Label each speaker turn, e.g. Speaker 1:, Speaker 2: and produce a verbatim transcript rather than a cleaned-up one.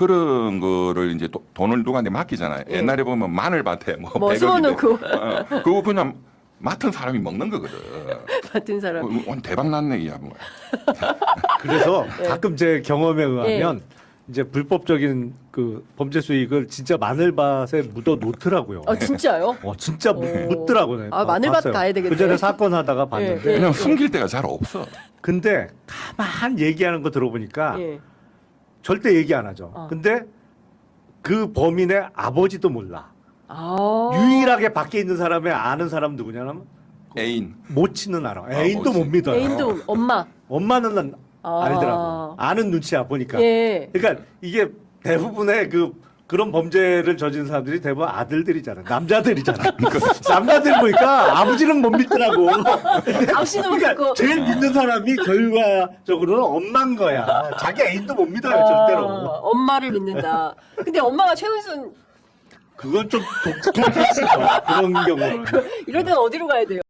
Speaker 1: 그런 거를 이제 도, 돈을 누구한테 맡기잖아요.
Speaker 2: 예.
Speaker 1: 옛날에 보면 마늘밭에 뭐,
Speaker 2: 뭐
Speaker 1: 백억인데
Speaker 2: 심어놓고.
Speaker 1: 어, 그거 그냥 맡은 사람이 먹는 거거든.
Speaker 2: 같은 사람.
Speaker 1: 어, 오늘 대박 났네, 야, 뭐.
Speaker 3: 그래서
Speaker 2: 예.
Speaker 3: 가끔 제 경험에 의하면 이제 불법적인 그 범죄 수익을 진짜 마늘밭에 묻어 놓더라고요.
Speaker 2: 아 진짜요?
Speaker 3: 어, 진짜
Speaker 2: 오.
Speaker 3: 묻더라고요.
Speaker 2: 아, 마늘밭 가야 되겠네.
Speaker 3: 그 전에 사건 하다가 봤는데.
Speaker 2: 예, 예.
Speaker 1: 그냥 숨길 데가 잘 없어.
Speaker 3: 근데 가만 얘기하는 거 들어보니까
Speaker 2: 예.
Speaker 3: 절대 얘기 안 하죠.
Speaker 2: 어.
Speaker 3: 근데 그 범인의 아버지도 몰라.
Speaker 2: 아.
Speaker 3: 유일하게 밖에 있는 사람의 아는 사람 누구냐면
Speaker 1: 애인.
Speaker 3: 모치는 알아.
Speaker 1: 아,
Speaker 3: 애인도
Speaker 1: 모치.
Speaker 3: 못 믿어요.
Speaker 2: 애인도 엄마.
Speaker 3: 엄마는 난
Speaker 2: 아.
Speaker 3: 알더라고. 아는 눈치야 보니까.
Speaker 2: 예.
Speaker 3: 그러니까 이게 대부분의 그 그런 범죄를 저지른 사람들이 대부분 아들들이잖아. 남자들이잖아. 남자들 보니까 아버지는 못 믿더라고.
Speaker 2: 아버지는 못
Speaker 3: 그러니까
Speaker 2: 믿고.
Speaker 3: 제일 믿는 사람이 결과적으로는 엄마인 거야. 자기 애인도 못 믿어요,
Speaker 2: 아,
Speaker 3: 절대로.
Speaker 2: 엄마를 믿는다. 근데 엄마가 최은순
Speaker 3: 그건 좀 독특한 케이스죠. 그런 경우.
Speaker 2: 이럴 때는 어디로 가야 돼요?